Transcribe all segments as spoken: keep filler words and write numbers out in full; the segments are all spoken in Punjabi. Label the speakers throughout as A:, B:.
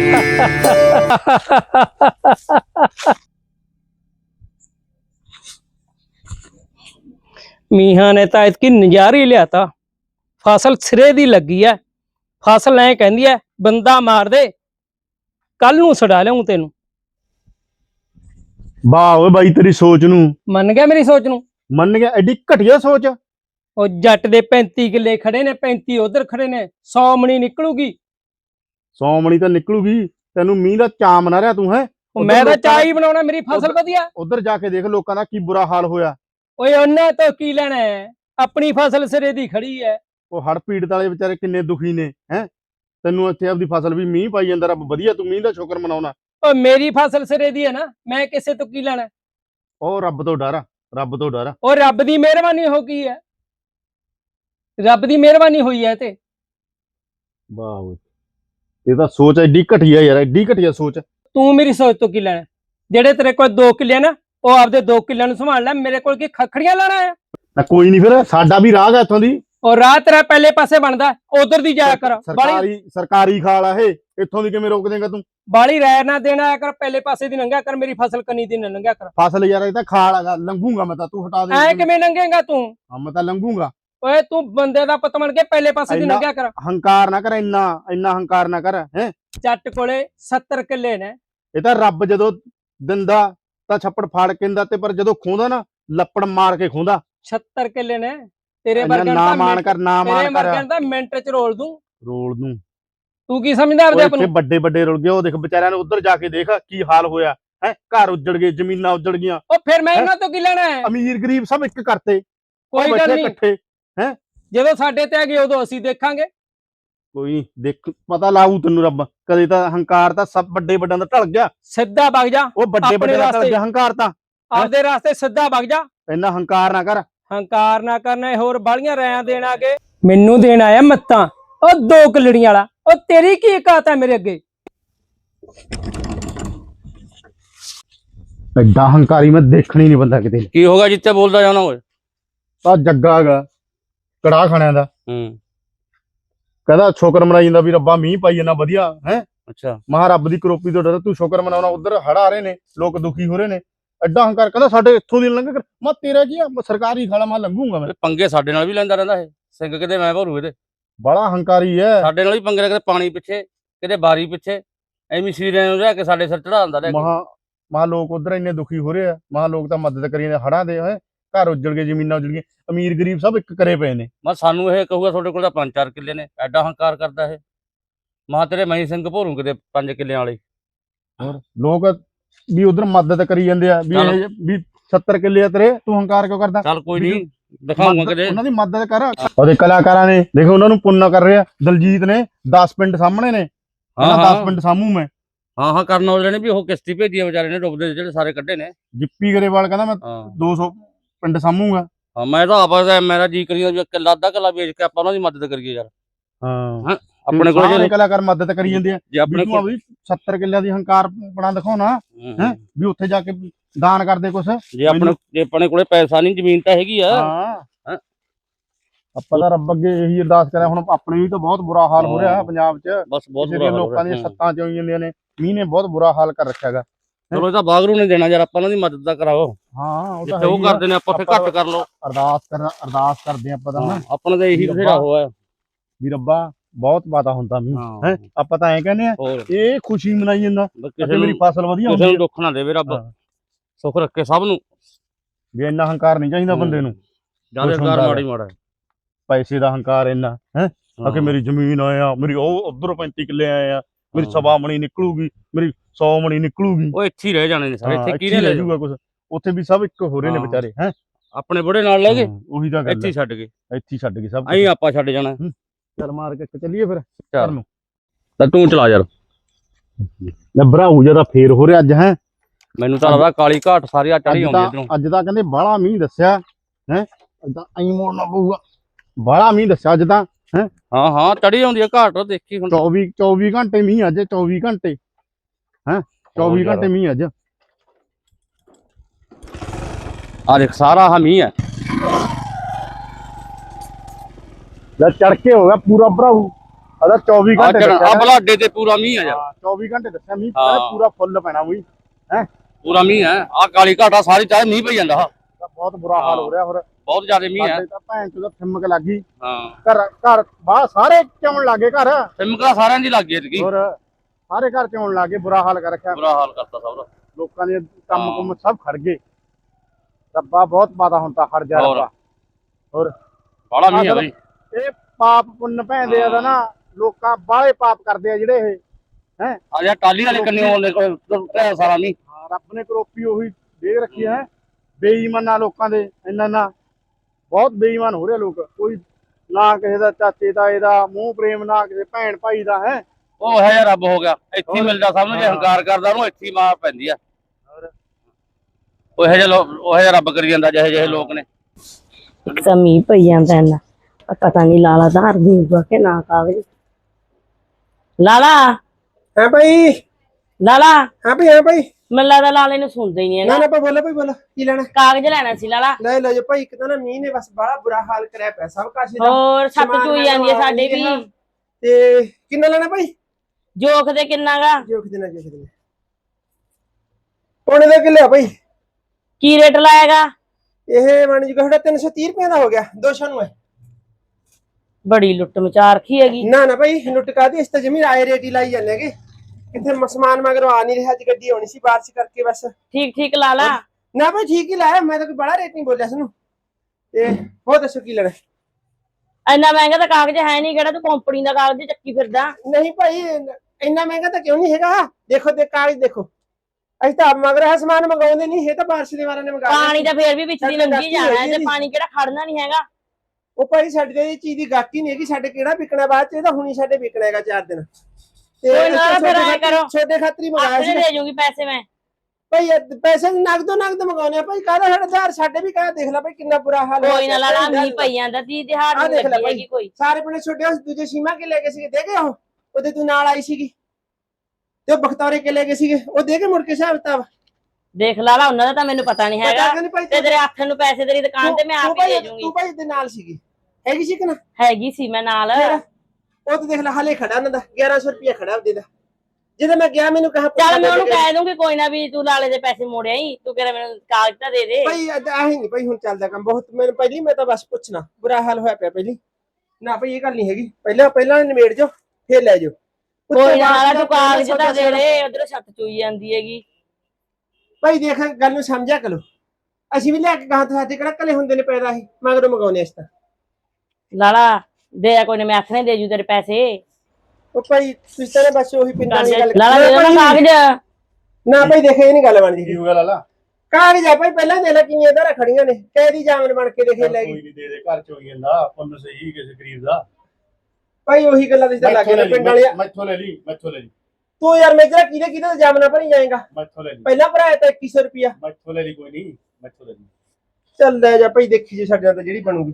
A: मीहा ने तो इसकी नजारे लिया था। फसल सिरे दी लगी है। फसल ऐ कहंदी है बंदा मार दे कल नूं छड़ा लियाऊं तेनू।
B: वाह ओए बाई तेरी सोच नू
A: मन गया मेरी सोच नूं?
B: मन गया। एडी घटिया सोच।
A: ओ जट दे पैंती किले खड़े ने, पैंती उधर खड़े ने, सौ मणी निकलूगी।
B: सौ मणी तो निकलूगी। तेनू मीह दा चा मना रहा तू है।
A: मैं तो चाह ही बनाउणा, मेरी फसल वधिया।
B: उधर जाके देख लोकां दा की बुरा हाल होया।
A: ओए उन्हें तो की लेना है, अपनी फसल सिरे दी खड़ी है।
B: ਉਹ ਹੜ ਪੀੜਤ ਵਾਲੇ ਵਿਚਾਰੇ ਕਿੰਨੇ ਦੁਖੀ ਨੇ ਹੈ। ਤੈਨੂੰ ਇੱਥੇ ਆਪਦੀ ਫਸਲ ਵੀ ਮੀਂਹ ਪਾਈ ਜਾਂਦਾ ਰੱਬ ਵਧੀਆ, ਤੂੰ ਮੀਂਹ ਦਾ ਸ਼ੁਕਰ ਮਨਾਉਣਾ।
A: ओ मेरी फसल सिरे दी है ना, मैं किसे तो की लेना।
B: ਉਹ ਰੱਬ ਤੋਂ ਡਰ ਆ, ਰੱਬ ਤੋਂ ਡਰ ਆ।
A: ओ रब दी मेहरबानी हो गई है, रब दी मेहरबानी हुई है ते।
B: ਵਾਹ ਓਏ ਇਹ ਤਾਂ ਸੋਚ ਐਡੀ ਘਟੀਆ ਯਾਰ, ਐਡੀ ਘਟੀਆ ਸੋਚ।
A: तू मेरी सोच तो की लेना? जेड़े तेरे को दो किले ना, वो आपदे दो किले संभाल ले, मेरे को की खखड़ियां लाना है।
B: ਨਾ ਕੋਈ ਨਹੀਂ, ਫਿਰ ਸਾਡਾ ਵੀ ਰਾਹ ਹੈ ਇੱਥੋਂ ਦੀ।
A: और राह तेरा पहले पासे बनदा, उधर दी जाया कर। बाली
B: ਸਰਕਾਰੀ ਸਰਕਾਰੀ ਖਾਲ ਆ ਇਹ, ਇੱਥੋਂ ਦੀ ਕਿਵੇਂ ਰੋਕ ਦੇਂਗਾ ਤੂੰ?
A: बाली राय ना देना आया कर, पहले पासे दी नंगा कर, मेरी फसल कनी दी ना नंगा कर।
B: ਫਸਲ ਯਾਰ ਇਹ ਤਾਂ ਖਾਲ ਹੈਗਾ, ਲੰਘੂਗਾ ਮੈਂ ਤਾਂ, ਤੂੰ ਹਟਾ ਦੇ।
A: ऐ किवें नंगेगा तू?
B: ਹਾਂ ਮੈਂ ਤਾਂ ਲੰਘੂਗਾ।
A: ओए तू बंदे दा पुत बन के पहले पासे दी
B: ਇੰਨਾ
A: नंगा कर।
B: ਹੰਕਾਰ ਨਾ ਕਰ, ਇੰਨਾ ਇੰਨਾ ਹੰਕਾਰ ਨਾ ਕਰ ਹੈ।
A: जट कोले सत्तर किले ने।
B: ਇਹ ਤਾਂ ਰੱਬ ਜਦੋਂ ਦਿੰਦਾ ਤਾਂ ਛੱਪੜ ਫਾੜ ਕੇ ਦਿੰਦਾ, ਤੇ ਪਰ ਜਦੋਂ ਖੋਂਦਾ ਨਾ ਲੱਪੜ ਮਾਰ ਕੇ ਖੋਂਦਾ।
A: छत्तर किले ने तेरे
B: ਇੰਨਾ
A: वर्गन
B: ਨਾ
A: दा
B: ਮਾਣ
A: मिंट-
B: ਕਰ, ਨਾ
A: तेरे
B: ਮਾਣ ਕਰ।
A: वर्गन दा मिंट च रोल दूं।
B: ਰੋਲ ਦੂੰ।
A: तू की समझदा
B: ਉਹ
A: आपदे
B: ਇੱਥੇ
A: अपन?
B: ਵੱਡੇ ਵੱਡੇ ਰੁਲ ਗਏ। ਉਹ ਦੇਖ ਵਿਚਾਰਿਆਂ ਨੇ ਉੱਧਰ ਜਾ ਕੇ ਦੇਖ ਕੀ ਹਾਲ ਹੋਇਆ ਹੈ। ਘਰ ਉੱਜੜ ਗਏ, ਜ਼ਮੀਨਾਂ ਉੱਜੜ ਗਈਆਂ,
A: ओ फिर मैं इन्हां तो की लेना है?
B: ਅਮੀਰ ਗਰੀਬ ਸਭ ਇੱਕ ਕਰਤੇ।
A: कोई
B: ਉਹ
A: गल
B: ਬੈਠੇ
A: नहीं,
B: ਇਕੱਠੇ।
A: ਜਦੋਂ ਸਾਡੇ ਤੇ ਆ ਗਏ ਉਦੋਂ ਅਸੀਂ ਦੇਖਾਂਗੇ।
B: ਕੋਈ ਨੀ, ਦੇਖ ਪਤਾ ਲਾਊ ਤੈਨੂੰ ਰੱਬ। ਕਦੇ ਤਾਂ ਹੰਕਾਰ ਤਾਂ ਸਭ ਵੱਡੇ ਵੱਡਿਆਂ ਦਾ ਢਲ ਗਿਆ।
A: ਸਿੱਧਾ ਵਗ ਜਾ,
B: ਉਹ ਵੱਡੇ
A: ਆਪਣੇ
B: ਵੱਡੇ ਦਾ ਢਲ
A: ਵਾਸਤੇ।
B: ਗਿਆ ਹੰਕਾਰ ਤਾਂ।
A: ਆਪਦੇ ਰਾਸਤੇ ਸਿੱਧਾ ਵਗ ਜਾ।
B: ਇੰਨਾ ਹੰਕਾਰ ਨਾ ਕਰ।
A: ਹੰਕਾਰ ਨਾ ਕਰਨਾ, ਹੋਰ ਬਾਲੀਆਂ ਰਾਇਆਂ ਦੇਣ ਆ ਕੇ ਮੈਨੂੰ ਦੇਣ ਆਇਆ ਮੱਤਾਂ। ਉਹ ਦੋ ਕਿਲੜੀਆਂ ਵਾਲਾ, ਉਹ ਤੇਰੀ ਕੀ ਔਕਾਤ ਹੈ ਮੇਰੇ ਅੱਗੇ?
B: ਐਡਾ ਹੰਕਾਰੀ ਮੈਂ ਦੇਖਣੀ ਨਹੀਂ ਬੰਦਾ ਕਿਤੇ।
C: ਕੀ ਹੋਗਾ ਜਿੱਥੇ ਬੋਲਦਾ ਜਾਣਾ ਓਏ?
B: ਤਾਂ ਜੱਗਾ ਹੈਗਾ ਕੜਾਹ ਖਾਣਿਆਂ ਦਾ,
C: ਹੂੰ
B: ਕਹਿੰਦਾ ਸ਼ੁਕਰ ਮਨਾਈ ਜਾਂਦਾ ਵੀ ਰੱਬਾ ਮੀਂਹ ਪਾਈ ਜਾਂਦਾ ਵਧੀਆ ਹੈ।
C: ਅੱਛਾ
B: ਮਹਾ ਰੱਬ ਦੀ ਕਰੋਪੀ ਤੋਂ ਡਰ ਤੂੰ ਸ਼ੁਕਰ ਮਨਾਉਣਾ। ਉਧਰ ਹੜ ਆ ਰਹੇ ਨੇ, ਲੋਕ ਦੁਖੀ ਹੋ ਰਹੇ ਨੇ। ਐਡਾ ਹੰਕਾਰ, ਕਹਿੰਦਾ ਸਾਡੇ ਇੱਥੋਂ ਦੀ ਲੰਘ ਕਰ। ਮੈਂ ਤੇਰਾ ਕੀ ਆ, ਸਰਕਾਰੀ ਖਾਲਾ ਮੈਂ ਲੰਘੂਗਾ। ਮੈਂ
C: ਇਹ ਪੰਗੇ ਸਾਡੇ ਨਾਲ ਵੀ ਲੈਂਦਾ ਰਹਿੰਦਾ ਇਹ ਸਿੰਘ, ਕਿਤੇ ਮੈਂ ਭਰੂ ਇਹਦੇ।
B: ਬੜਾ ਹੰਕਾਰੀ ਹੈ।
C: ਸਾਡੇ ਨਾਲ ਵੀ ਪੰਗੇ ਲੈ, ਕਿਤੇ ਪਾਣੀ ਪਿੱਛੇ, ਕਿਤੇ ਬਾਰੀ ਪਿੱਛੇ, ਐਵੇਂ ਸੀਰਿਆਂ ਨੂੰ ਰਹਿ ਕੇ ਸਾਡੇ ਸਿਰ ਚੜਾਉਂਦਾ ਰਹਿ ਕੇ।
B: ਮਹਾ ਮਹਾ ਲੋਕ ਉਧਰ ਇੰਨੇ ਦੁਖੀ ਹੋ ਰਹੇ ਆ। ਮਹਾ ਲੋਕ ਤਾਂ ਮਦਦ ਕਰੀ ਜਾਂਦੇ ਹੜਾਂ ਦੇ। ਹੈ ਘਰ ਉੱਜੜ ਗਏ, ਜ਼ਮੀਨਾਂ ਉੱਜੜ ਗਈਆਂ, ਅਮੀਰ ਗਰੀਬ ਸਭ ਇੱਕ ਕਰੇ ਪਏ ਨੇ।
C: ਮੈਂ ਸਾਨੂੰ ਇਹ ਕਹੂਗਾ ਤੁਹਾਡੇ ਕੋਲ ਤਾਂ ਪੰਜ ਚਾਰ ਕਿੱਲੇ ਨੇ, ਐਡਾ ਹੰਕਾਰ ਕਰਦਾ ਇਹ। ਮਾ ਤੇਰੇ ਮਹੀ ਸਿੰਘ ਭਰੂ ਕਿਤੇ ਪੰਜ ਕਿੱਲਿਆਂ ਵਾਲੇ।
B: ਹੋਰ ਲੋਕ ਵੀ ਉਧਰ ਮਦਦ ਕਰੀ ਜਾਂਦੇ ਆ ਵੀ
C: ਚੱਲ।
B: ਇਹ ਵੀ ਸੱਤਰ ਕਿੱਲੇ ਆ ਤੇਰੇ, ਤੂੰ ਹੰਕਾਰ ਕਿਉਂ ਕਰਦਾ?
C: ਚੱਲ ਕੋਈ ਨਹੀਂ, ਦਿਖਾਉਂਗਾ
B: ਮਦਦ-
C: ਕਿਤੇ।
B: ਉਹਨਾਂ ਦੀ ਮਦਦ ਕਰ। ਉਹਦੇ ਕਲਾਕਾਰਾਂ ਨੇ ਦੇਖੋ ਉਹਨਾਂ ਨੂੰ ਪੁੰਨ ਕਰ ਰਿਹਾ। ਦਲਜੀਤ ਨੇ ਦਸ ਪਿੰਡ ਸਾਹਮਣੇ ਨੇ,
C: ਹਾਂ
B: ਦਸ
C: ਹਾਂ
B: ਪਿੰਡ ਸਾਹਮੂ ਮੈਂ।
C: ਹਾਂ ਹਾਂ ਕਰਨ ਵਾਲੇ ਨੇ ਵੀ ਉਹ ਕਿਸ਼ਤੀ ਭੇਜੀ ਆ ਵਿਚਾਰੇ ਨੇ, ਡੁੱਬਦੇ ਜਿਹੜੇ ਸਾਰੇ ਕੱਢੇ ਨੇ।
B: ਗਿੱਪੀ ਗਰੇਵਾਲ ਕਹਿੰਦਾ ਮੈਂ
C: ਹਾਂ
B: ਦੋ ਸੌ ਪਿੰਡ ਸਾਹਮੂਗਾ।
C: ਹਾਂ ਮੈਂ ਤਾਂ ਆਪਾ ਮੇਰਾ ਜੀ ਕਰੀ ਵੀ ਕਿੱਲਾ ਅੱਧਾ ਕਿੱਲਾ ਵੇਚ ਕੇ ਆਪਾਂ ਉਹਨਾਂ ਦੀ ਮਦਦ ਕਰੀਏ ਯਾਰ।
B: ਹਾਂ
C: ਆਪਣੇ ਕੋਲ
B: ਸਾਰੇ
C: ਜੇ
B: ਕਲਾਕਾਰ ਮਦਦ ਕਰੀ ਜਾਂਦੇ ਆ।
C: ਜੇ ਆਪਣੇ
B: ਵੀ ਤੂੰ ਆਪਣੀ ਸੱਤਰ ਕਿੱਲਿਆਂ ਦੀ ਹੰਕਾਰ ਬਣਾ ਦਿਖਾਉਣਾ ਹੈ ਵੀ ਉੱਥੇ ਜਾ ਕੇ ਦਾਨ ਕਰਦੇ ਕੁਛ।
C: ਜੇ ਆਪਣੇ ਜੇ ਆਪਣੇ ਕੋਲੇ ਪੈਸਾ ਨਹੀਂ, ਜ਼ਮੀਨ ਤਾਂ ਹੈਗੀ ਆ।
B: ਹਾਂ ਆਪਾਂ ਤਾਂ ਰੱਬ ਅੱਗੇ ਇਹੀ ਅਰਦਾਸ ਕਰਿਆ। ਹੁਣ ਆਪਣੇ ਵੀ ਤਾਂ ਬਹੁਤ ਬੁਰਾ ਹਾਲ ਹੋ ਰਿਹਾ ਪੰਜਾਬ 'ਚ।
C: ਬਸ ਬਹੁਤ
B: ਕਿਸੇ
C: ਬੁਰਾ
B: ਦੀਆਂ
C: ਹਾਲ ਹੋ
B: ਲੋਕਾਂ ਦੀਆਂ
C: ਰਿਹਾ।
B: ਛੱਤਾਂ 'ਚ ਹੋਈ ਜਾਂਦੀਆਂ ਨੇ। ਮੀਂਹ ਨੇ ਬਹੁਤ ਬੁਰਾ ਹਾਲ ਕਰ ਰੱਖਿਆ ਹੈਗਾ।
C: ਚਲੋ ਇਹ ਤਾਂ ਬਾਗਰੂ ਨੇ ਦੇਣਾ ਯਾਰ, ਆਪਾਂ ਉਹਨਾਂ ਦੀ ਮਦਦ ਤਾਂ ਕਰਾਓ।
B: ਹਾਂ ਉਹ ਤਾਂ
C: ਜਿੱਥੇ ਉਹ
B: ਹੈ ਹੀ ਆ।
C: ਕਰਦੇ ਨੇ ਆਪਾਂ ਉੱਥੇ ਘੱਟ ਕਰ ਲਓ।
B: ਅਰਦਾਸ ਕਰ ਅਰਦਾਸ ਕਰਦੇ ਆਪਾਂ ਤਾਂ ਨਾ
C: ਆਪਣਾ ਤਾਂ ਇਹੀ ਬਥੇਰਾ ਹੋਇਆ
B: ਵੀ ਰੱਬਾ ਬਹੁਤ ਪਤਾ ਹੁੰਦਾ ਮੀਂਹ
C: ਹਾਂ।
B: ਹੈ। ਆਪਾਂ ਤਾਂ ਐਂ ਕਹਿੰਦੇ ਆ
C: ਹੋਰ
B: ਇਹ ਖੁਸ਼ੀ ਮਨਾਈ ਜਾਂਦਾ
C: ਕਿਸੇ
B: ਕਿ ਮੇਰੀ
C: ਨੂੰ
B: ਫਸਲ ਵਧੀਆ
C: ਕਿਸੇ
B: ਹੁੰਦੀ
C: ਨੂੰ ਦੁੱਖ ਨਾ ਦੇਵੇ ਰੱਬ,
B: ਹਾਂ।
C: ਸੁੱਖ ਰੱਖੇ ਸਭ ਨੂੰ।
B: ਵੀ ਇੰਨਾ ਹੰਕਾਰ ਨਹੀਂ ਚਾਹੀਦਾ ਬੰਦੇ ਨੂੰ।
C: ਜਿਆਦਾ
B: ਕੁਛ
C: ਹੰਕਾਰ
B: ਹੁੰਦਾ
C: ਮਾੜੀ ਮਾੜਾ ਹੈ।
B: ਪੈਸੇ ਦਾ ਹੰਕਾਰ ਇੰਨਾ ਹੈ ਕਿ ਮੇਰੀ ਜ਼ਮੀਨ ਆਇਆ, ਮੇਰੀ ਉਹ ਉਧਰ ਪੈਂਤੀ ਕਿੱਲੇ ਆਏ ਆ, ਮੇਰੀ ਸਵਾ ਮਣੀ ਨਿਕਲੂਗੀ, ਮੇਰੀ ਸੌ ਮਣੀ ਨਿਕਲੂਗੀ।
C: ਉਹ ਇੱਥੇ ਹੀ ਰਹਿ ਜਾਣੇ ਨੇ ਸਾਰੇ, ਇੱਥੇ
B: ਇੱਥੇ
C: ਕਿਹਨੇ ਲੈ
B: ਰਹਿ ਜਾਊਗਾ ਕੁਛ। ਉੱਥੇ ਵੀ ਸਭ ਇੱਕ ਹੋ ਰਹੇ ਨੇ
C: ਹਾਂ।
B: ਵਿਚਾਰੇ ਹੈ।
C: ਆਪਣੇ ਬੁੜੇ ਨਾਲ ਲੈ ਗਏ,
B: ਉਹੀ ਤਾਂ ਗੱਲ
C: ਇੱਥੇ ਹੀ ਛੱਡ ਗਏ।
B: ਹੈ। ਇੱਥੇ ਹੀ ਛੱਡ ਗਏ ਸਭ
C: ਐਂ ਆਪਾਂ ਛੱਡ ਜਾਣਾ।
B: ਚੱਲ ਮਾਰ ਕੇ ਚੱਲੀਏ ਫਿਰ
C: ਚੱਲ
B: ਘਰ ਨੂੰ।
C: ਤਾਂ ਤੂੰ ਚਲਾ ਯਾਰ।
B: ਲੈ ਭਰਾਊ ਜਿਆਦਾ ਫੇਰ ਹੋ ਰਿਹਾ ਅੱਜ ਹੈ।
C: ਮੈਨੂੰ ਤਾਂ ਲੱਗਦਾ ਕਾਲੀ ਘਾਟ ਸਾਰੀ ਆ ਚੜੀ
B: ਅੱਜ
C: ਆਉਂਦੀ
B: ਤਾਂ
C: ਇਧਰੋਂ।
B: ਅੱਜ ਤਾਂ ਕਹਿੰਦੇ ਬਾਹਲਾ ਮੀਂਹ ਦੱਸਿਆ ਹੈ। ਅੱਜ ਤਾਂ ਐਂ ਮੋੜਨਾ ਪਊਗਾ। ਬਾਹਲਾ ਮੀਂਹ ਦੱਸਿਆ ਅੱਜ ਤਾਂ ਹੈ।
C: ਹਾਂ ਹਾਂ ਚੜੀ ਆਉਂਦੀ ਆ ਘਾਟ, ਦੇਖੀ ਹੁਣ।
B: ਚੌਵੀ ਚੌਵੀ ਘੰਟੇ ਮੀਂਹ ਅੱਜ, ਚੌਵੀ ਘੰਟੇ ਹੈ। ਚੌਵੀ ਘੰਟੇ ਮੀਂਹ ਅੱਜ।
C: ਆ ਦੇਖ ਸਾਰਾ ਆ ਮੀਂਹ ਹੈ।
B: ਲੈ ਚੜ ਕੇ ਹੋ ਗਿਆ ਪੂਰਾ ਭਰਾਊ। ਆਦਾ ਚੌਵੀ
C: ਆ
B: ਘੰਟੇ
C: ਚੜਨ
B: ਦੱਸਿਆ
C: ਆ
B: ਨਾ।
C: ਬਲਾਡੇ ਤੇ ਪੂਰਾ ਮੀਂਹ ਆ ਯਾਰ
B: ਹਾਂ, ਚੌਵੀ ਘੰਟੇ ਦੱਸਿਆ ਮੀਂਹ
C: ਹਾਂ।
B: ਪੈਣਾ, ਪੂਰਾ ਫੁੱਲ ਪੈਣਾ ਬਈ ਹੈ।
C: ਪੂਰਾ ਮੀਂਹ ਹੈ ਆ ਕਾਲੀ ਘਾਟਾ ਸਾਰੀ ਚਾਹ ਮੀਂਹ ਪਈ ਜਾਂਦਾ ਹਾ
B: ਬਹੁਤ ਬੁਰਾ ਹਾਲ ਹੋ ਰਿਹਾ ਹੋਰ।
C: ਬਹੁਤ ਜ਼ਿਆਦਾ ਮੀਂਹ ਹੈ
B: ਸਾਡੇ ਤਾਂ ਭੈਣ ਚੋਦ ਥਿਮਕ ਲੱਗੀ
C: ਹਾਂ
B: ਘਰ ਘਰ ਬਾਹਰ ਸਾਰੇ ਚੌਣ ਲੱਗੇ ਘਰ
C: ਸਿਮਕਾ ਸਾਰਿਆਂ ਦੀ ਲੱਗ ਗਈ ਇਤਕੀ
B: ਹੋਰ ਸਾਰੇ ਘਰ ਚੌਣ ਲੱਗੇ, ਬੁਰਾ ਹਾਲ ਕਰ ਰੱਖਿਆ।
C: ਬੁਰਾ ਹਾਲ ਕਰਤਾ ਸਭ ਦਾ
B: ਲੋਕਾਂ ਦੇ ਕੰਮ
C: ਹਾਂ।
B: ਕੁੰਮ ਸਭ ਖੜ ਗਏ। ਰੱਬਾ ਬਹੁਤ ਪਾਦਾ ਹੁਣ ਤਾਂ ਖੜ ਜਾ
C: ਹੋਰ।
B: ਰੱਬਾ। ਹੋਰ
C: ਬਾਲਾ ਮੀਂਹ ਹੈ ਬਈ
B: ਇਹ ਪਾਪ ਪੁੰਨ ਭੈਂਦੇ ਆ ਦਾ ਨਾ, ਲੋਕਾਂ ਬਾਹਲੇ ਪਾਪ ਕਰਦੇ ਆ ਜਿਹੜੇ ਇਹ ਹੈ।
C: ਆ ਜਾ ਟਾਲੀ ਵਾਲੇ ਕੰਨੇ ਆਉਂਦੇ ਕੋਲ ਸਾਰਾ ਮੀਂਹ
B: ਹਾਂ, ਰੱਬ ਨੇ ਕਰੋਪੀ ਉਹੀ ਦੇ ਰੱਖੀ ਹੈ। ਬੇਈਮਾਨਾਂ ਲੋਕਾਂ ਦੇ ਇੰਨਾ ਇੰਨਾ ਬਹੁਤ ਬੇਈਮਾਨ ਹੋ ਰਹੇ ਲੋਕ। ਕੋਈ ਨਾ ਕਿਸੇ ਦਾ ਚਾਚੇ ਦਾ ਇਹਦਾ ਮੂੰਹ ਪ੍ਰੇਮ, ਨਾ ਕਿਸੇ ਭੈਣ ਭਾਈ ਦਾ ਹੈ।
C: ਉਹ ਹੈ ਰੱਬ ਹੋ ਗਿਆ ਇੱਥੇ ਹੀ ਮਿਲਦਾ ਸਭ ਨੂੰ। ਜੇ
B: ਹਾਂ।
C: ਹੰਕਾਰ ਕਰਦਾ ਉਹਨੂੰ ਇੱਥੇ ਹੀ ਮਾਰ ਪੈਂਦੀ ਆ। ਉਹ ਜਿਹੇ ਲੋਕ ਉਹ ਜਿਹਾ ਰੱਬ ਕਰੀ ਜਾਂਦਾ ਜਿਹੇ ਜਿਹੇ ਲੋਕ ਨੇ।
D: ਤਾਂ ਮੀਂਹ ਪਈ ਜਾਂਦਾ ਇੰਨਾ, ਪਤਾ ਨਹੀਂ ਲਾਲਾ ਧਾਰ ਦੇਊਗਾ ਕਿ ਨਾ ਕਾਗਜ਼। ਲਾਲਾ
E: ਹੈ ਭਾਈ।
D: ਲਾਲਾ
E: ਹਾਂ ਭਾਈ ਹਾਂ ਭਾਈ।
D: ਮੈਨੂੰ ਲੱਗਦਾ ਲਾਲੇ ਨੂੰ ਸੁਣਦਾ ਹੀ ਨਹੀਂ
E: ਨਾ
D: ਹੈਗਾ।
E: ਨਾ ਭਾਈ ਬੋਲੋ ਭਾਈ ਬੋਲੋ, ਕੀ ਲੈਣਾ?
D: ਕਾਗਜ਼ ਲੈਣਾ ਸੀ ਲਾਲਾ।
E: ਲੈ ਲਓ ਜੀ ਭਾਈ, ਇੱਕ ਤਾਂ ਨਾ ਮੀਂਹ ਨੇ ਬਸ ਬੜਾ ਬੁਰਾ ਹਾਲ ਕਰਿਆ ਪਿਆ ਸਭ ਕਾਸ਼ੀ ਦਾ।
D: ਹੋਰ ਸੱਤ
E: ਸਮਾਨ
D: ਚੋਈ ਜਾਂਦੀ ਹੈ ਸਾਡੇ ਵੀ।
E: ਤੇ ਕਿੰਨਾ ਲੈਣਾ ਭਾਈ?
D: ਜੋਖ ਦੇ ਕਿੰਨਾ ਗਾ?
E: ਜੋਖ ਦੇਣਾ ਜੋਖ ਦੇਣਾ ਪੌਣੇ ਦਾ ਕਿੱਲਾ ਭਾਈ।
D: ਕੀ ਰੇਟ ਲਾਏਗਾ?
E: ਇਹ ਬਣ ਜੂਗਾ ਸਾਡਾ ਤਿੰਨ ਸੌ ਤੀਹ ਰੁਪਏ ਦਾ ਹੋ ਗਿਆ, ਦੋ ਸੌ ਨੂੰ ਹੈ।
D: ਬੜੀ ਲੁੱਟ ਮਚਾ ਰੱਖੀ ਹੈਗੀ।
E: ਨਾ ਨਾ ਭਾਈ ਲੁੱਟ ਕਾਦੀ, ਇਸ ਤਾਂ ਜ਼ਮੀਨ ਆਏ ਰੇਟ ਹੀ ਲਾਈ ਜਾਂਦੇ ਹੈਗੇ। ਕਿੱਥੇ ਮ- ਸਮਾਨ ਮਗਰੋਂ ਆ ਨਹੀਂ ਰਿਹਾ, ਅੱਜ ਗੱਡੀ ਆਉਣੀ ਸੀ ਬਾਰਿਸ਼ ਕਰਕੇ ਬਸ।
D: ਠੀਕ ਠੀਕ ਲਾਲਾ।
E: ਨਾ ਭਾਈ ਠੀਕ ਹੀ ਲਾਇਆ, ਮੈਂ ਤਾਂ ਕੋਈ ਬੜਾ ਰੇਟ ਨਹੀਂ ਬੋਲਿਆ ਸਾਨੂੰ। ਤੇ ਹੋਰ ਦੱਸੋ ਕੀ ਲੈਣਾ?
D: ਇੰਨਾ ਮਹਿੰਗਾ ਤਾਂ ਕਾਗਜ਼ ਹੈ ਨਹੀਂ, ਕਿਹੜਾ ਤੂੰ ਕੰਪਨੀ ਦਾ ਕਾਗਜ਼ ਚੱਕੀ ਫਿਰਦਾ।
E: ਨਹੀਂ ਭਾਈ ਇੰਨਾ ਮਹਿੰਗਾ ਤਾਂ ਕਿਉਂ ਨਹੀਂ ਹੈਗਾ। ਦੇਖੋ ਤੇ ਕਾਗਜ਼ ਦੇਖੋ, ਅਸੀਂ ਤਾਂ ਆਪ ਮੰਗ ਰਿਹਾ ਸਮਾਨ ਮੰਗਾਉਂਦੇ ਨਹੀਂ, ਇਹ ਤਾਂ ਬਾਰਿਸ਼ ਦੇ ਵਾਰਾਂ ਨੇ ਮੰਗਾ ਲਿਆ
D: ਪਾਣੀ
E: ਸੀ।
D: ਤਾਂ ਫੇਰ ਵੀ ਵਿੱਚ ਦੀ
E: ਸਾਡੇ
D: ਲੰਘੀ
E: ਗਾਹਕੀ
D: ਜਾਣਾ ਹੈ,
E: ਹੈਗੀ
D: ਤੇ
E: ਜੀ।
D: ਪਾਣੀ ਕਿਹੜਾ ਖੜਨਾ ਨਹੀਂ ਹੈਗਾ।
E: ਉਹ ਭਾਈ ਸਾਡੇ ਤੇ ਇਹ ਚੀਜ਼ ਦੀ ਗਾਹਕੀ ਨਹੀਂ ਹੈਗੀ, ਸਾਡੇ ਕਿਹੜਾ ਵਿਕਣਾ ਬਾਅਦ ਚ, ਇਹ ਤਾਂ ਹੁਣੀ ਸਾਡੇ ਵਿਕਣਾ ਹੈਗਾ ਚਾਰ ਦਿਨ। ਤੇ
D: ਕੋਈ ਨਾ,
E: ਅਸੀਂ
D: ਫਿਰ
E: ਛੋਟੇ
D: ਐਂ ਕਰੋ।
E: ਛੋਟੇ ਖਾਤਰੀ ਮੰਗਾਇਆ
D: ਆਪਣੇ
E: ਸੀ
D: ਦੇ ਜੂੰਗੀ ਪੈਸੇ ਮੈਂ।
E: ਭਾਈ। ਇਹ ਪੈਸੇ ਨਗਦੋ ਨਗਦ ਮੰਗਾਉਣੇ ਆ ਭਾਈ, ਕਾਹਦਾ ਸਾਡਾ ਧਾਰ ਸਾਡੇ ਵੀ ਕਹਾ ਦੇਖ ਲੈ ਭਾਈ ਕਿੰਨਾ ਬੁਰਾ ਹਾਲ ਹੋਇਆ
D: ਕੋਈ ਨਾ
E: ਪਿਆ।
D: ਲਾਲਾ, ਮੀਂਹ ਪਈ ਜਾਂਦਾ ਤੀ ਦਿਹਾੜ
E: ਆਹ
D: ਨਹੀਂ
E: ਦੇਖ ਲੈ
D: ਲੱਗੀ
E: ਭਾਈ।
D: ਹੈਗੀ ਕੋਈ।
E: ਸਾਰੇ ਪਿੰਡ ਛੋਟੇ ਉਸ ਦੂਜੇ ਸੀਮਾ ਕੇ ਲੈ ਗਏ ਸੀਗੇ, ਦੇ ਗਏ ਉਹ ਉਹਦੇ ਤੂੰ ਨਾਲ ਆਈ ਸੀਗੀ। ਤੇ ਉਹ ਬਖਤੌਰੇ ਕੇ ਲੈ ਗਏ ਸੀਗੇ, ਉਹ ਦੇ ਕੇ ਮੁੜ ਕੇ ਹਿਸਾਬ ਕਿਤਾਬ
D: ਦੇਖ ਲਾਲਾ, ਉਹਨਾਂ ਦਾ ਤਾਂ ਮੈਨੂੰ ਪਤਾ ਨਹੀਂ ਹੈਗਾ।
E: ਪਤਾ ਨਹੀਂ ਭਾਈ।
D: ਤੇ ਤੇਰੇ ਹੱਥ ਨੂੰ ਪੈਸੇ ਤੇਰੀ ਦੁਕਾਨ ਤੇ ਮੈਂ ਆਪ ਹੀ ਦੇ ਜੂੰਗੀ।
E: ਤੂੰ ਭਾਈ ਦੇ ਨਾਲ ਸੀਗੀ, ਹੈਗੀ ਸੀ ਕਿ ਨਾ?
D: ਹੈਗੀ ਸੀ ਮੈਂ ਨਾਲ।
E: ਉਹ ਤੇ ਦੇਖ ਲੈ ਹਾਲੇ ਖੜਾ ਉਹਨਾਂ ਦਾ ਗਿਆਰਾਂ ਸੌ ਰੁਪਇਆ ਖੜਾ ਉਹਦੇ ਦਾ। ਜਦੋਂ ਮੈਂ ਗਿਆ ਮੈਨੂੰ ਕਹਾ
D: ਚੱਲ ਮੈਂ ਉਹਨੂੰ ਕਹਿ ਦੂੰਗੀ ਕੋਈ ਨਾ ਵੀ ਤੂੰ ਲਾਲੇ ਦੇ ਪੈਸੇ ਮੋੜਿਆ ਹੀ, ਤੂੰ ਕਿਹੜਾ ਮੈਨੂੰ ਕਾਗਜ਼ ਤਾਂ ਦੇ ਦੇ।
E: ਭਾਈ ਆਹੀ ਨਹੀਂ ਭਾਈ ਹੁਣ ਚੱਲਦਾ ਕੰਮ ਬਹੁਤ। ਮੈਨੂੰ ਪਹਿਲੀ ਮੈਂ ਤਾਂ ਬਸ ਪੁੱਛਣਾ, ਬੁਰਾ ਹਾਲ ਹੋਇਆ ਪਿਆ ਪਹਿਲੀ। ਨਾ ਭਾਈ ਇਹ ਗੱਲ ਨਹੀਂ ਹੈਗੀ, ਪਹਿਲਾਂ ਪਹਿਲਾਂ ਨਿਬੇੜ ਜਾਓ ਫੇਰ ਲੈ ਜਾਓ।
D: ਕੋਈ ਨਾ ਲਾਲਾ, ਤੂੰ ਕਾਗਜ਼ ਤਾਂ ਦੇ ਦੇ, ਉਧਰੋਂ ਛੱਤ ਚੋਈ ਜਾਂਦੀ ਹੈਗੀ।
E: ਭਾਈ ਦੇਖ ਗੱਲ ਨੂੰ ਸਮਝਿਆ ਕਰੋ, ਅਸੀਂ ਵੀ ਲੈ ਕੇ ਗਾਂ ਤੋਂ ਸਾਡੇ ਕਿਹੜਾ ਕੱਲੇ ਹੁੰਦੇ ਨੇ ਪੈਦਾ ਹੀ ਮਗਰੋਂ ਮੰਗਾਉਣੇ ਇਸ ਤਾਂ।
D: ਲਾਲਾ ਦੇ ਕੋਈ ਨਾ, ਮੈਂ ਆਖਣੇ ਦੇ ਜੂ ਤੇਰੇ ਪੈਸੇ।
E: ਉਹ ਭਾਈ ਤੁਸੀਂ ਤਾਂ ਬਸ ਉਹੀ ਪਿੰਡਾਂ ਦੀ ਗੱਲ
D: ਲਾਲਾ ਦੇ ਦੇਣਾ ਕਾਗਜ਼।
E: ਨਾ ਭਾਈ ਦੇਖ ਇਹ ਨਹੀਂ ਗੱਲ ਬਣਦੀ।
B: ਕੀ ਹੋ ਗਿਆ ਲਾਲਾ?
E: ਕਾਗਜ਼ ਆ ਭਾਈ, ਪਹਿਲਾਂ ਦੇ ਲੈ ਕਿੰਨੀਆਂ ਧਾਰਾਂ ਖੜੀਆਂ ਨੇ, ਕਹਿਦੀ ਜਾਮਨ ਬਣ ਕੇ ਦੇਖੇ ਲੈ
B: ਕੋਈ
E: ਗਈ।
B: ਨਹੀਂ, ਦੇ ਦੇ ਘਰ ਚ ਹੋਈ ਜਾਂਦਾ ਪੁੰਨ ਸਹੀ ਕਿਸੇ ਗਰੀਬ ਦਾ।
E: ਭਾਈ ਉਹੀ ਗੱਲਾਂ ਤੁਸੀਂ ਤਾਂ ਲੱਗੇ ਨੇ ਪਿੰਡ ਵਾਲੇ।
B: ਮੈਥੋਂ ਲੈ ਲਈ, ਮੈਥੋਂ ਲੈ ਲਈ,
E: ਤੂੰ ਯਾਰ ਮੇਜਰਾ ਕਿਹਦੇ ਕਿਹਦੇ ਜਾਮਨਾ ਭਰੀ ਜਾਏਗਾ?
B: ਮੈਥੋਂ ਲੈ ਲਈ,
E: ਪਹਿਲਾਂ ਭਰਾਇਆ ਤਾਂ ਇੱਕੀ ਸੌ ਰੁਪਇਆ।
B: ਮੈਥੋਂ ਲੈ ਲਈ, ਕੋਈ ਨਹੀਂ ਮੈਥੋਂ ਲੈ ਲਈ।
E: ਚੱਲ ਲੈ ਜਾ ਭਾਈ, ਦੇਖੀ ਜੇ ਸਾਡੇ ਨਾਲ ਤਾਂ ਜਿਹੜੀ ਬਣੂਗੀ।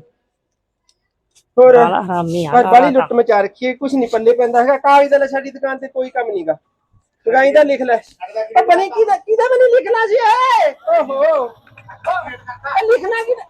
E: ਹੋਰ
D: ਲਾਲਾ ਹਰਾਮੀ ਆ
E: ਪਰ ਬਾਲੀ
D: ਲਾਲਾ
E: ਲੁੱਟ ਮਚਾ ਰੱਖੀ ਹੈ, ਕੁਛ ਨਹੀਂ ਪੱਲੇ ਪੈਂਦਾ ਹੈਗਾ। ਕਾਗਜ਼ ਦਾ ਲੈ ਸਾਡੀ ਦੁਕਾਨ ਤੇ ਕੋਈ ਕੰਮ ਨਹੀਂਗਾ। ਗਾਈ ਦਾ ਲਿਖ ਲੈ। ਉਹ ਬਣੀ ਕਿਹਦਾ ਕਿਹਦਾ ਮੈਨੂੰ ਲਿਖਣਾ ਸੀ ਏ? ਓਹੋ ਇਹ ਲਿਖਣਾ ਕਿਹਦਾ?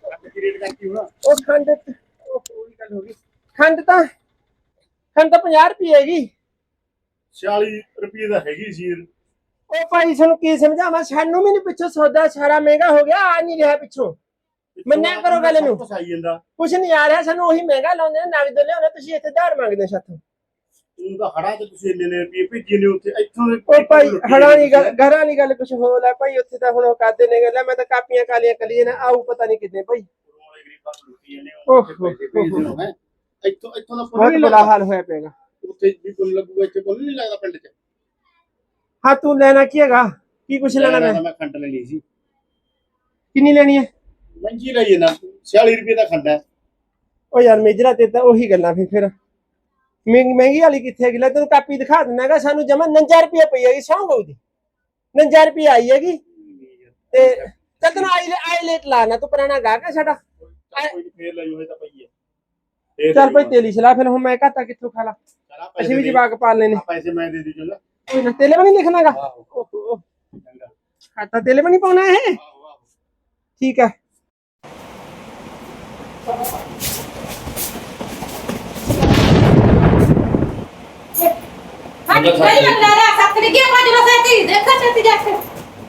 E: ਉਹ ਖੰਡ ਉਹ ਉਹੀ ਗੱਲ ਹੋ ਗਈ। ਖੰਡ ਤਾਂ ਖੰਡ ਤਾਂ ਪੰਜਾਹ ਰੁਪਏ ਹੈਗੀ।
B: ਛਿਆਲੀ ਰੁਪਏ ਦਾ ਹੈਗੀ ਸੀ।
E: ਉਹ ਭਾਈ ਸਾਨੂੰ ਕੀ ਸਮਝਾਵਾਂ, ਸਾਨੂੰ ਵੀ ਨਹੀਂ ਪਿੱਛੋਂ ਸੌਦਾ ਸਾਰਾ ਮਹਿੰਗਾ ਹੋ ਗਿਆ, ਆ ਨਹੀਂ ਰਿਹਾ ਪਿੱਛੋਂ। ਮੰਨਿਆ ਕਰੋ ਗੱਲ ਨੂੰ।
B: ਫਸਾਈ ਜਾਂਦਾ
E: ਕੁਛ ਨਹੀਂ ਆ ਰਿਹਾ, ਸਾਨੂੰ ਉਹੀ ਮਹਿੰਗਾ ਲਾਉਂਦੇ ਨੇ, ਨਗਦ ਲਿਆਉਂਦੇ, ਤੁਸੀਂ ਇੱਥੇ ਧਾਰ ਮੰਗਦੇ ਸਾਥੋਂ।
B: ਤੂੰ ਤਾਂ ਹੜਾ ਤੇ ਤੁਸੀਂ ਇੰਨੇ ਨੇ ਰੁਪਏ ਭੇਜੇ ਨੇ ਉੱਥੇ, ਇੱਥੋਂ ਦੇ
E: ਉਹ ਭਾਈ ਹੜਾ ਨਹੀਂ ਗੱਲ, ਘਰਾਂ ਨਹੀਂ ਗੱਲ ਕੁਛ ਹੋਰ ਹੈ ਭਾਈ। ਉੱਥੇ ਤਾਂ ਹੁਣ ਉਹ ਕਰਦੇ ਨੇ ਗੱਲਾਂ, ਮੈਂ ਤਾਂ ਕਾਪੀਆਂ ਕਾਲੀਆਂ ਕਲੀਆਂ ਨਾ ਆਊ ਪਤਾ ਨਹੀਂ ਕਿੰਨੇ ਭਾਈ।
B: ਇੱਥੋਂ ਇੱਥੋਂ ਦਾ
E: ਬਹੁਤ ਬੁਰਾ ਹਾਲ ਹੋਇਆ ਪਿਆਗਾ।
B: ਉੱਥੇ ਵੀ ਪੁੰਨ ਲੱਗੂਗਾ, ਇੱਥੇ ਪੁੰਨ ਨਹੀਂ ਲੱਗਦਾ ਪਿੰਡ 'ਚ।
E: ਹਾਂ ਤੂੰ ਲੈਣਾ ਕੀ ਹੈਗਾ? ਕੀ ਕੁਛ ਲੈਣਾ ਮੈਂ?
B: ਮੈਂ ਖੰਡ ਲੈਣੀ ਸੀ।
E: ਕਿੰਨੀ ਲੈਣੀ ਹੈ?
B: ਮਹਿੰਗੀ ਲਈ ਨਾ, ਛਿਆਲੀ ਰੁਪਏ ਦਾ ਖੰਡ ਹੈ।
E: ਉਹ ਯਾਰ ਮੇਜਰਾ ਤੇ ਤਾਂ ਉਹੀ ਗੱਲਾਂ ਫਿਰ ਫਿਰ ਮਹਿੰਗੀ ਮਹਿੰਗੀ ਵਾਲੀ ਕਿੱਥੇ ਹੈਗੀ? ਲੈ ਤੈਨੂੰ ਕਾਪੀ ਦਿਖਾ ਦਿੰਦਾ ਹੈਗਾ, ਸਾਨੂੰ ਜਮਾ ਉਨੰਜਾ ਰੁਪਏ ਪਈ ਹੈਗੀ, ਸੌਂ ਗਊ ਦੀ ਉਨੰਜਾ ਰੁਪਏ ਆਈ ਹੈਗੀ। ਤੇ ਚੱਲ ਤੈਨੂੰ ਆਈ ਆਈ ਲੇਟ ਲਾਣਾ, ਤੂੰ ਪੁਰਾਣਾ ਗਾਹਕ ਹੈ ਸਾਡਾ।
B: ਕੋਈ ਫੇਰ ਲਈ ਹੋਏ ਤਾਂ ਪਈ ਹੈ।
E: ਚੱਲ ਭਾਈ ਤੇਲੀ ਸਲਾਹ, ਫਿਰ ਹੁਣ ਮੈਂ ਘਾਟਾ ਕਿੱਥੋਂ ਖਾ ਲਾ? ਅਸੀਂ ਵੀ ਜਵਾਕ ਪਾਲਨੇ ਨੇ।
B: ਪੈਸੇ ਮੈਂ ਦੇ ਦੀ ਚੰਗਾ।
E: ਕੋਈ ਨਾ ਤੇਲੇ ਵੀ ਨਹੀਂ ਲਿਖਣਾਗਾ। ਓਹੋ ਖਾਤਾ ਤੇਲੇ ਵੀ ਨਹੀਂ ਪਾਉਣਾ ਇਹ। ਠੀਕ ਹੈ।
C: ਅੰਦਰ
F: ਨਹੀਂ
C: ਸੱਤ
F: ਬੰਦਾ ਲਾ ਸੱਤ ਲਿਖਿਆ ਪੰਜ ਨੂੰ ਸੈਤੀ ਦੇਖਾ ਸੈਤੀ ਜਾ ਕੇ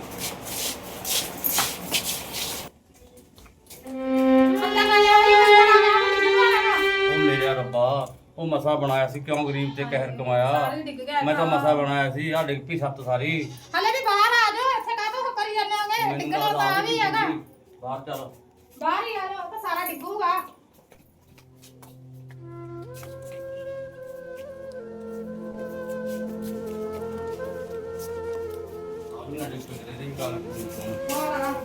C: ਉਹ ਮੇਰੇ ਰੱਬਾ ਉਹ ਮਸਾ ਬਣਾਇਆ ਸੀ ਕਿਉਂ ਗਰੀਬ ਤੇ ਕਹਿਰ ਕਮਾਇਆ ਮੈਂ ਤਾਂ ਮਸਾ ਬਣਾਇਆ ਸੀ ਆ ਡਿੱਗ ਪਈ ਸੱਤ ਸਾਰੀ
F: ਹਲੇ ਵੀ ਬਾਹਰ ਆ ਜਾਓ ਇੱਥੇ ਕਾਹਤੋਂ ਕਰੀ ਜਾਂਦੇ ਹੋਗੇ
C: ਮੈਨੂੰ
F: ਡਿੱਗਣਾ
C: ਲੱਗਦਾ
F: ਤਾਂ
C: ਆ
F: ਵੀ ਹੈਗਾ
C: ਬਾਹਰ ਚੱਲ
F: ਬਾਹਰ ਹੀ ਆ ਜਾਓ ਤਾਂ ਸਾਰਾ ਡਿੱਗੂਗਾ
C: ਆਪਣਾ ਡਿੱਗ ਪਈ ਤੇਰੀ ਗੱਲ
F: ਹੋਰ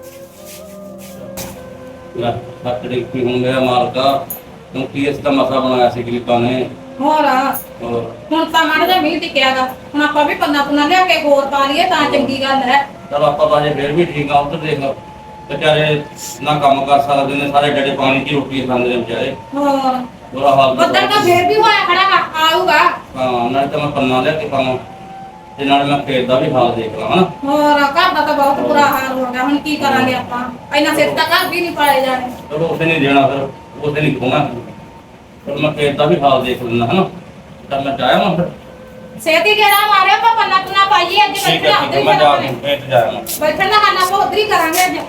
C: ਲੈ ਸੱਤ ਡਿੱਗ ਪਈ ਹੁਣ ਮੇਰਾ ਮਾਲਕਾ ਕਿਉਂਕਿ ਇਸ ਦਾ ਮਸਾ ਬਣਾਇਆ ਸੀ ਗਰੀਬਾਂ ਨੇ
F: ਹੋਰ
C: ਹੋਰ
F: ਹੁਣ ਤਾਂ ਮਾੜਾ ਜਿਹਾ ਮੀਂਹ ਟਿਕਿਆਗਾ ਹੁਣ ਆਪਾਂ ਵੀ ਪੰਨਾ ਪੁੰਨਾ ਲਿਆ ਕੇ ਹੋਰ ਪਾ ਲਈਏ ਤਾਂ ਚੰਗੀ ਗੱਲ ਹੈ
C: ਚਲ ਆਪਾਂ ਤਾਂ ਜੇ ਫੇਰ ਵੀ ਠੀਕ ਆ ਉੱਧਰ ਦੇਖ ਵਿਚਾਰੇ ਨਾ ਕੰਮ ਕਰ ਸਕਦੇ ਨੇ ਸਾਰੇ ਡੱਡੇ ਪਾਣੀ ਦੀ ਰੋਟੀ ਖਾਂਦੇ ਨੇ ਵਿਚਾਰੇ
F: ਹੋਰ
C: ਬੁਰਾ ਹਾਲ ਤਾਂ
F: ਬੱਦਲ ਤਾਂ ਫੇਰ ਵੀ ਹੋਇਆ ਖੜਾ ਵਾ, ਆਊਗਾ
C: ਹਾਂ ਨਾਲੇ ਤਾਂ ਮੈਂ ਪੰਨਾ ਲਿਆ ਕੇ ਪਾਵਾਂ ਤੇ ਨਾਲੇ ਮੈਂ ਖੇਤ ਦਾ ਵੀ ਹਾਲ ਦੇਖ ਲਾਂ ਹਨਾ
F: ਹੋਰ ਘਰ ਦਾ ਤਾਂ ਬਹੁਤ ਬੁਰਾ ਹਾਲ ਹੋ ਗਿਆ ਹੁਣ ਕੀ ਕਰਾਂਗੇ ਆਪਾਂ ਇੰਨਾ ਸਿਰ ਤਾਂ ਘਰ ਵੀ ਨਹੀਂ ਪਾਏ ਜਾਣੇ
C: ਚਲੋ ਉਸੇ ਨਹੀਂ ਦੇਣਾ ਫਿਰ ਉਸੇ ਨਹੀਂ ਖੋਣਾ ਫਿਰ ਮੈਂ ਖੇਤ ਦਾ ਵੀ ਹਾਲ ਦੇਖ ਲੈਣਾ ਹਨਾ ਤਾਂ ਮੈਂ ਜਾਇਆ ਮੈਂ ਫਿਰ
F: ਸੇਤੀ ਗੇੜਾ ਮਾਰਿਆ ਆਪਾਂ ਪੰਨਾ ਪੁੰਨਾ ਪਾਈਏ ਅੱਜ
C: ਠੀਕ
F: ਬੈਠਣਾ
C: ਹੈ ਠੀਕ
F: ਉੱਧਰ
C: ਹੈ
F: ਹੀ
C: ਮੈਂ ਜਾ
F: ਕਰਾਂਗੇ
C: ਕੇ ਖੇਤ ਜਾਇਆ ਮੈਂ
F: ਬੈਠਣ ਦਾ ਖਾਣਾ ਆਪਾਂ ਉੱਧਰ ਹੀ ਕਰਾਂਗੇ ਅੱਜ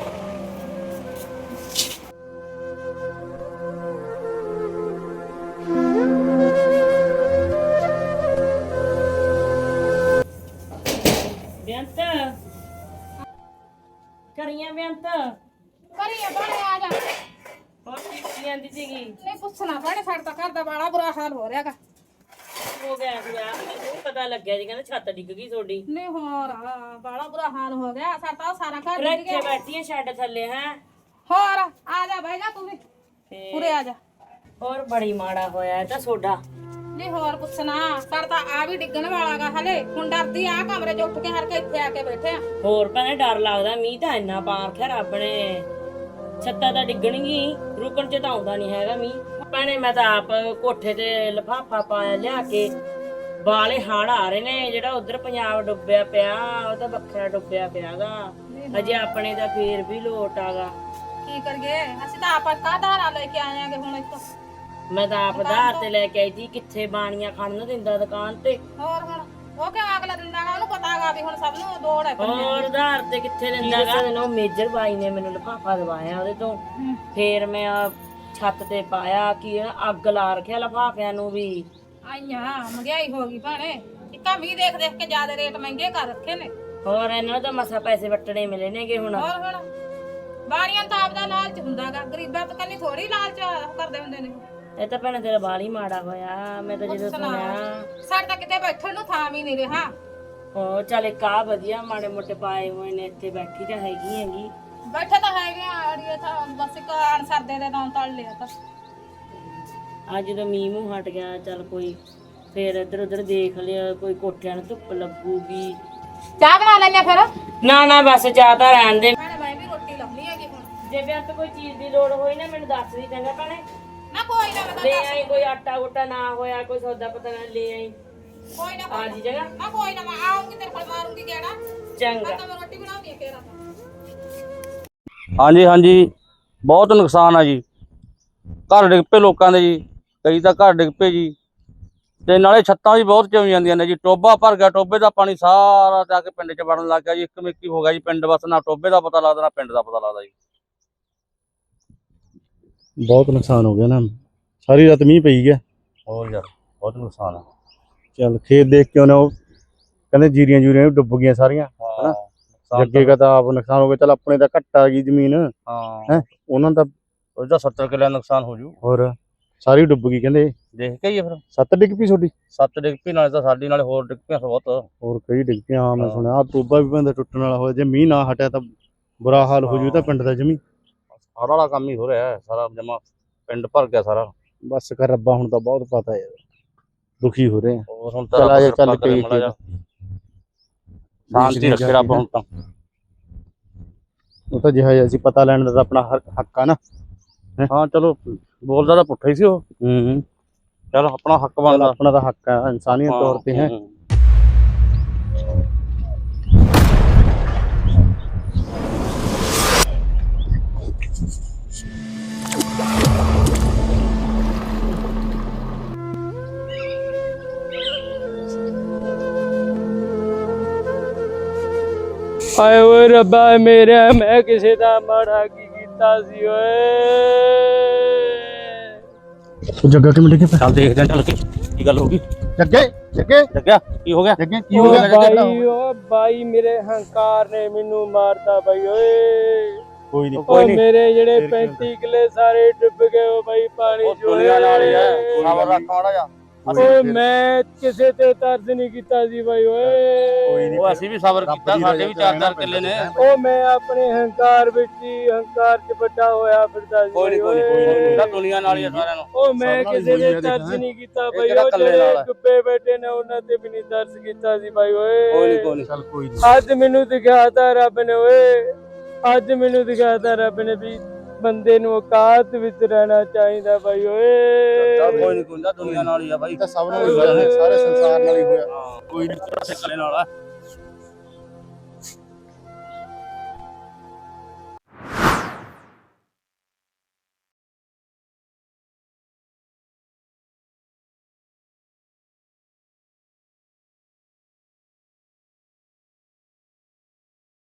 D: ਬੇਅੰਤ ਕਰੀਆਂ ਬੇਅੰਤ
F: ਕਰੀਏ ਬਣੇ ਆ ਜਾ
D: ਹੋਰ ਕੀ ਕਰੀ ਜਾਂਦੀ ਸੀਗੀ
F: ਨਹੀਂ ਪੁੱਛਣਾ ਬਣੇ ਸਾਡੇ ਤਾਂ ਘਰ ਦਾ ਬੜਾ ਬੁਰਾ ਹਾਲ ਹੋ ਰਿਹਾਗਾ
D: ਹੋ ਗਿਆ ਸੀਗਾ ਮੈਨੂੰ ਪਤਾ ਲੱਗਿਆ ਜੀ ਕਹਿੰਦਾ ਛੱਤ ਡਿੱਗ ਗਈ ਤੁਹਾਡੀ
F: ਨਹੀਂ ਹੋਰ ਆ, ਬੜਾ ਬੁਰਾ ਹਾਲ ਹੋ ਗਿਆ ਸਾਡਾ ਤਾਂ ਸਾਰਾ ਘਰ
D: ਫਿਰ
F: ਡਿੱਗ
D: ਇੱਥੇ
F: ਗਿਆ
D: ਬੈਠੀ ਆ ਛੱਡ ਥੱਲੇ ਹੈ
F: ਹੋਰ ਆ ਜਾ ਬਹਿ ਜਾ ਤੂੰ ਵੀ ਉਰੇ ਆ ਜਾ
D: ਹੋਰ ਬੜੀ ਮਾੜਾ ਹੋਇਆ ਇਹ ਤਾਂ ਸੋਡਾ
F: ਨਹੀਂ ਹੋਰ ਪੁੱਛਣਾ ਸਾਡਾ ਤਾਂ ਆ ਵੀ ਡਿੱਗਣ ਵਾਲਾਗਾ ਹਲੇ ਹੁਣ ਡਰਦੀ ਆ ਕਮਰੇ 'ਚ ਉੱਠ ਕੇ ਹਰ ਕੇ ਇੱਥੇ ਆ ਕੇ ਬੈਠੇ ਆ
D: ਹੋਰ ਭੈਣੇ ਡਰ ਲੱਗਦਾ ਮੀਂਹ ਤਾਂ ਇੰਨਾ ਪਾ ਰੱਖਿਆ ਰੱਬ ਨੇ ਛੱਤਾਂ ਤਾਂ ਡਿੱਗਣਗੀ ਰੁਕਣ ਚ ਤਾਂ ਆਉਂਦਾ ਨਹੀਂ ਹੈਗਾ ਮੀਂਹ ਭੈਣੇ ਮੈਂ ਤਾਂ ਆਪ ਕੋਠੇ ਤੇ ਲਿਫਾਫਾ ਪਾਇਆ ਲਿਆ ਕੇ ਬਾਲੇ ਹੜ ਆ ਰਹੇ ਨੇ ਜਿਹੜਾ ਉਧਰ ਪੰਜਾਬ ਡੁੱਬਿਆ ਪਿਆ ਉਹ ਤਾਂ ਵੱਖਰਾ ਡੁੱਬਿਆ ਪਿਆਗਾ ਅਜੇ ਆਪਣੇ ਦਾ ਫੇਰ ਵੀ ਲੋਟ ਆਗਾ
F: ਕੀ ਕਰੀਏ ਅਸੀਂ ਤਾਂ ਆਪਾਂ ਕਾਹਦਾਰਾ ਲੈ ਕੇ ਆਏ ਆਂਗੇ ਹੁਣ ਇੱਥੋਂ
D: ਮੈਂ ਤਾਂ ਆਪ ਆਧਾਰ ਤੇ ਲੈ ਕੇ ਆਈ ਸੀ ਕਿੱਥੇ ਬਾਣੀਆਂ ਖੜਨ ਨੂੰ ਦਿੰਦਾ ਦੁਕਾਨ ਤੇ
F: ਹੋਰ ਹੁਣ ਉਹ ਕਿਉਂ ਅਗਲਾ ਦਿੰਦਾਗਾ ਉਹਨੂੰ ਪਤਾਗਾ ਵੀ ਹੁਣ ਸਭ ਨੂੰ ਦੌੜ ਹੈ ਪੰਨੇ
D: ਹੋਰ ਆਧਾਰ ਤੇ ਕਿੱਥੇ ਦਿੰਦਾਗਾ ਉਹ ਮੇਜਰ ਬਾਈ ਨੇ ਮੈਨੂੰ ਲਿਫਾਫਾ ਦਵਾਇਆ ਉਹਦੇ ਤੋਂ ਫੇਰ ਮੈਂ ਆਹ ਛੱਤ ਤੇ ਪਾਇਆ ਕਿ ਅੱਗ ਲਾ ਰੱਖਿਆ ਲਿਫਾਫਿਆਂ ਨੂੰ ਵੀ
F: ਆਈਆਂ ਮਹਿੰਗਾਈ ਹੋ ਗਈ ਭਾਣੇ ਇੱਕਾ ਵੀ ਦੇਖ ਦੇਖ ਕੇ ਜ਼ਿਆਦਾ ਰੇਟ ਮਹਿੰਗੇ ਕਰ ਰੱਖੇ ਨੇ
D: ਹੋਰ ਇਹਨਾਂ ਨੂੰ ਤਾਂ ਮਸਾ ਪੈਸੇ ਵੱਟਣੇ ਮਿਲੇ ਨੇਗੇ ਹੁਣ
F: ਹੋਰ ਹੁਣ ਬਾਣੀਆਂ ਤਾਂ ਆਪਦਾ ਲਾਲਚ ਹੁੰਦਾਗਾ ਗਰੀਬਾਂ ਤੋਂ ਕੰਨੀ ਥੋੜੀ ਲਾਲਚ ਕਰਦੇ ਹੁੰਦੇ ਨੇ
D: ਇਹ ਤਾਂ ਭੈਣੇ ਤੇਰਾ ਬਾਲ ਹੀ ਮਾੜਾ ਹੋਇਆ ਮੈਂ ਤਾਂ ਜਦੋਂ ਸੁਣਿਆ
F: ਸਾਡੇ ਤਾਂ ਕਿਤੇ ਬੈਠਣ ਨੂੰ ਥਾਂ ਵੀ ਨਹੀਂ ਰਿਹਾ
D: ਹੋ ਚੱਲ ਇੱਕ ਆ ਵਧੀਆ ਮਾੜੇ ਮੋਟੇ ਪਾਏ ਹੋਏ ਨੇ ਇੱਥੇ ਬੈਠੀ ਤਾਂ ਹੈਗੀ ਹੈਗੀ
F: ਬੈਠੇ ਤਾਂ ਹੈਗੇ ਆ ਅੜੀਏ ਤਾਂ ਬਸ ਇੱਕ ਅਣਸਰਦੇ ਦੇ ਨਾਂ ਤਲ ਲਿਆ ਤਾਂ
D: ਅੱਜ ਜਦੋਂ ਮੀਂਹ ਮੂੰਹ ਹਟ ਗਿਆ ਚੱਲ ਕੋਈ ਫੇਰ ਇੱਧਰ ਉੱਧਰ ਦੇਖ ਲਿਆ ਕੋਈ ਕੋਠਿਆਂ ਨੂੰ ਧੁੱਪ ਲੱਗੂਗੀ
F: ਚਾਹ ਬਣਾ ਲੈਣੇ ਫਿਰ
D: ਨਾ ਨਾ ਬਸ ਚਾਹ ਤਾਂ ਰਹਿਣ ਦੇ
F: ਭੈਣੇ ਮੈਂ ਵੀ ਰੋਟੀ ਲਾਉਣੀ ਹੈਗੀ ਹੁਣ
D: ਜੇ ਬੇਅੰਤ ਕੋਈ ਚੀਜ਼ ਦੀ ਲੋੜ ਹੋਈ ਨਾ ਮੈਨੂੰ ਦੱਸ ਦੀ ਚੰਗਾ ਭੈਣੇ
F: ਨਾ ਕੋਈ ਨਾ ਮੈਂ
D: ਲੈ
F: ਤਾਂ
D: ਆਈ ਕੋਈ ਆਟਾ ਉਟਾ ਨਾ ਹੋਇਆ ਕੋਈ ਸੌਦਾ ਪਤਾ ਨਾ ਲੈ ਆਈ
F: ਕੋਈ ਨਾ
D: ਆ ਜੀ ਜਗ੍ਹਾ
F: ਨਾ ਕੋਈ ਨਾ ਮੈਂ ਆਉਂਗੀ ਤੇਰੇ ਕੋਲ ਮਾਰੂੰਗੀ ਕਿਹੜਾ
D: ਚੰਗਾ
F: ਤਾਂ ਮੈਂ ਰੋਟੀ ਬਣਾਉਣੀ ਹੈ ਫੇਰ ਆਪਾਂ
C: ਹਾਂਜੀ ਹਾਂਜੀ ਬਹੁਤ ਨੁਕਸਾਨ ਆ ਜੀ ਘਰ ਡਿੱਗ ਪਏ ਲੋਕਾਂ ਦੇ ਜੀ ਕਈ ਤਾਂ ਘਰ ਡਿੱਗ ਪਏ ਜੀ ਤੇ ਨਾਲੇ ਛੱਤਾਂ ਵੀ ਬਹੁਤ ਚੋਂ ਜਾਂਦੀਆਂ ਨੇ ਜੀ ਟੋਬਾ ਭਰ ਗਿਆ ਟੋਬੇ ਦਾ ਪਾਣੀ ਸਾਰਾ ਜਾ ਕੇ ਪਿੰਡ 'ਚ ਵੜਨ ਲੱਗ ਗਿਆ ਜੀ ਇੱਕ ਮਿੱਕੀ ਹੋ ਗਿਆ ਜੀ ਪਿੰਡ ਬਸ ਨਾ ਟੋਬੇ ਦਾ ਪਤਾ ਲੱਗਦਾ ਨਾ ਪਿੰਡ ਦਾ ਪਤਾ ਲੱਗਦਾ ਜੀ
B: ਬਹੁਤ ਨੁਕਸਾਨ ਹੋ ਗਿਆ ਨਾ ਸਾਰੀ ਰਾਤ ਮੀਂਹ ਪਈ ਗਿਆ
C: ਹੋਰ ਯਾਰ ਬਹੁਤ ਨੁਕਸਾਨ ਆ
B: ਚੱਲ ਖੇਤ ਦੇਖ ਕੇ ਉਹਨੇ ਉਹ ਕਹਿੰਦੇ ਜੀਰੀਆਂ ਜੂਰੀਆਂ ਵੀ ਡੁੱਬ ਗਈਆਂ ਸਾਰੀਆਂ ਹਨਾ ਜੱਗੇ ਦਾ ਤਾਂ ਆਪ ਨੁਕਸਾਨ ਹੋ ਗਿਆ ਚੱਲ ਆਪਣੇ ਤਾਂ ਘੱਟ ਆ ਗਈ ਜ਼ਮੀਨ
C: ਹਾਂ
B: ਹੈ ਉਹਨਾਂ ਦਾ
C: ਉਹਦਾ ਸੱਤਰ ਕਿੱਲੇ ਦਾ ਨੁਕਸਾਨ ਹੋ ਜੂ
B: ਹੋਰ ਸਾਰੀ ਡੁੱਬ ਗਈ ਕਹਿੰਦੇ
C: ਦੇਖ ਕੇ ਹੀ ਆ ਫਿਰ
B: ਸੱਤ ਡਿੱਗ ਪਈ ਤੁਹਾਡੀ
C: ਸੱਤ ਡਿੱਗ ਪਈ ਨਾਲੇ ਤਾਂ ਸਾਡੀ ਨਾਲੇ ਹੋਰ ਡਿੱਗ ਪਈਆਂ ਬਹੁਤ
B: ਹੋਰ ਕਈ ਡਿੱਗ ਪਈਆਂ ਹਾਂ ਮੈਂ
C: ਹਾਂ।
B: ਸੁਣਿਆ ਆ ਟੋਬਾ ਵੀ ਬੰਦਾ ਟੁੱਟਣ ਵਾਲਾ ਹੋਇਆ ਜੇ ਮੀਂਹ ਨਾ ਹਟਿਆ ਤਾਂ ਬੁਰਾ ਹਾਲ ਹੋ ਜੂ ਤਾਂ ਪਿੰਡ ਦਾ ਜਮੀ
C: ਹੜ ਵਾਲਾ ਕੰਮ ਹੀ ਹੋ ਰਿਹਾ ਹੈ, ਸਾਰਾ ਜਮਾ ਪਿੰਡ ਭਰ ਗਿਆ ਸਾਰਾ
B: ਬਸ ਕਰ ਰੱਬਾ ਹੁਣ ਤਾਂ ਬਹੁਤ ਪਤਾ ਯਾਰ ਦੁਖੀ ਹੋ ਰਹੇ ਆ
C: ਹੋਰ ਹੁਣ
B: ਚੱਲ ਆ ਜਾ, ਚੱਲ
C: ਕਿਰਪਾ ਕਰੇ
B: ਕਈ
C: ਮਾੜਾ ਜਿਹਾ। ਸ਼ਾਂਤੀ ਰੱਖੇ ਰੱਬ ਹੁਣ ਤਾਂ
B: ਉਹ ਤਾਂ ਜਿਹਾ ਅਸੀਂ ਪਤਾ ਲੈਣ ਦਾ ਤਾਂ ਆਪਣਾ ਹੱਕ- ਹੱਕ ਆ ਨਾ
C: ਹਾਂ ਚਲੋ ਬੋਲਦਾ ਤਾਂ ਪੁੱਠਾ ਹੀ ਸੀ ਉਹ
B: ਹੂੰ
C: ਚਲ ਆਪਣਾ ਹੱਕ
B: ਚੱਲ
C: ਬਣਦਾ
B: ਆਪਣਾ ਤਾਂ ਹੱਕ ਆ ਇਨਸਾਨੀਅਤ ਤੌਰ ਤੇ ਹੈ
C: ਹੂੰ।
A: ਹਾਏ ਓਏ ਰੱਬਾ ਮੇਰੇ, ਮੈਂ ਕਿਸੇ ਦਾ ਮਾੜਾ ਕੀ ਕੀਤਾ ਸੀ ਓਏ।
B: ਉਹ ਜੱਗਾ ਕਿਵੇਂ ਡਿੱਗੇ
C: ਚੱਲ ਦੇਖਦੇ ਆਂ ਚੱਲ ਕੇ ਕੀ ਗੱਲ ਹੋ ਗਈ।
B: ਜੱਗੇ ਜੱਗੇ
C: ਜੱਗਿਆ ਕੀ ਹੋ ਗਿਆ?
B: ਜੱਗੇ ਕੀ ਹੋ ਗਿਆ
A: ਓ ਬਾਈ ਓ ਬਾਈ ਮੇਰੇ ਹੰਕਾਰ ਨੇ ਮੈਨੂੰ ਮਾਰਤਾ ਬਾਈ ਓਏ।
B: ਕੋਈ ਨਹੀਂ
A: ਓ ਮੇਰੇ ਜਿਹੜੇ ਪੈਂਤੀ ਕਿੱਲੇ ਸਾਰੇ ਡੁੱਬ ਗਏ ਓ ਬਾਈ ਪਾਣੀ
C: ਉਹ
A: ਚ
C: ਦੁਨੀਆ ਨਾਲ ਹੀ ਹੈ, ਖਬਰ ਰੱਖ ਮਾੜਾ ਜਾ।
A: ਓਏ ਮੈਂ ਕਿਸੇ ਤੇ ਤਰਸ ਨਹੀਂ ਕੀਤਾ ਸੀ ਬਾਈ ਓਏ।
C: ਉਹ ਅਸੀਂ ਵੀ ਸਬਰ ਕੀਤਾ, ਸਾਡੇ ਵੀ ਚਾਰ ਚਾਰ ਕਿੱਲੇ ਨੇ।
A: ਓ ਮੈਂ ਆਪਣੇ ਹੰਕਾਰ ਵਿੱਚ ਹੀ ਹੰਕਾਰ ਚ ਵੱਡਾ ਹੋਇਆ ਫਿਰਦਾ ਸੀ
C: ਕੋਈ ਨਹੀਂ ਕੋਈ ਨਹੀਂ, ਤਾਂ ਦੁਨੀਆ ਨਾਲ ਹੀ ਹੈ ਸਾਰਿਆਂ ਨੂੰ।
A: ਓ ਮੈਂ ਕਿਸੇ ਦੇ ਤਰਸ ਨਹੀਂ ਕੀਤਾ ਬਾਈ, ਉਹ ਜਿਹੜੇ ਡੁੱਬੇ ਬੈਠੇ ਨੇ ਉਹਨਾਂ ਤੇ ਵੀ ਨਹੀਂ ਤਰਸ ਕੀਤਾ ਸੀ ਬਾਈ ਓਏ।
C: ਕੋਈ ਨਹੀਂ ਕੋਈ ਨਹੀਂ,
B: ਚੱਲ ਕੋਈ ਨਹੀਂ।
A: ਅੱਜ ਮੈਨੂੰ ਦਿਖਾਤਾ ਰੱਬ ਨੇ ਓਏ, ਅੱਜ ਮੈਨੂੰ ਦਿਖਾਤਾ ਰੱਬ ਨੇ ਵੀ ਬੰਦੇ ਨੂੰ ਔਕਾਤ ਵਿੱਚ ਰਹਿਣਾ ਚਾਹੀਦਾ ਬਾਈ ਓਏ।
C: ਚੱਲ ਕੋਈ ਨਹੀਂ ਕੋਈ ਨਾ, ਦੁਨੀਆ ਨਾਲ ਹੀ ਆ ਬਾਈ।
B: ਤਾਂ ਸਭ ਨਾਲ ਹੀ ਹੋਇਆ ਹੈ, ਸਾਰੇ ਸੰਸਾਰ ਨਾਲ ਹੀ ਹੋਇਆ।
C: ਕੋਈ ਨਹੀਂ, ਕਿੱਲੇ ਨਾਲ ਆ।